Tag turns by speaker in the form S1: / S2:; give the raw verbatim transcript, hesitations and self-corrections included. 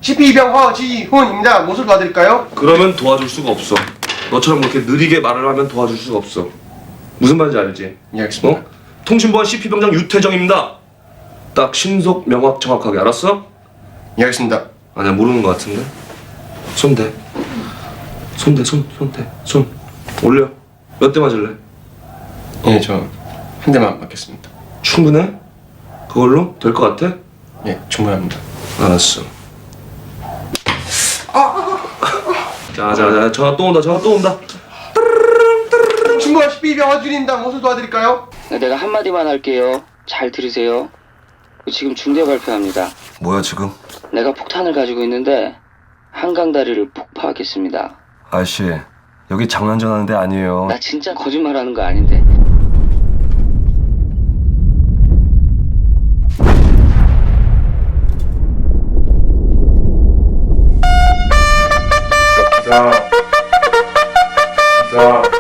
S1: 십이병 허지훈입니다. 무엇을 도와드릴까요?
S2: 그러면 도와줄 수가 없어. 너처럼 그렇게 느리게 말을 하면 도와줄 수가 없어. 무슨 말인지 알지?
S1: 예, 알겠습니다.
S2: 어? 통신보안 씨피병장 유태정입니다. 딱 신속 명확 정확하게 알았어?
S1: 예, 알겠습니다.
S2: 아니야 모르는 것 같은데. 손 대. 손 대, 손, 손 대, 손 올려. 몇 대 맞을래?
S1: 예, 저 한 대만 맞겠습니다.
S2: 충분해? 그걸로 될 것 같아?
S1: 예, 충분합니다.
S2: 알았어. 자자자 전화 또 온다 전화 또 온다.
S1: 통신보안 십이병 허지훈입니다. 무엇을 도와드릴까요?
S3: 내가 한마디만 할게요. 잘 들으세요. 지금 중대 발표합니다.
S2: 뭐야 지금?
S3: 내가 폭탄을 가지고 있는데 한강 다리를 폭파하겠습니다.
S2: 아저씨 여기 장난 전하는 데 아니에요.
S3: 나 진짜 거짓말하는 거 아닌데.
S1: 기사. 기사.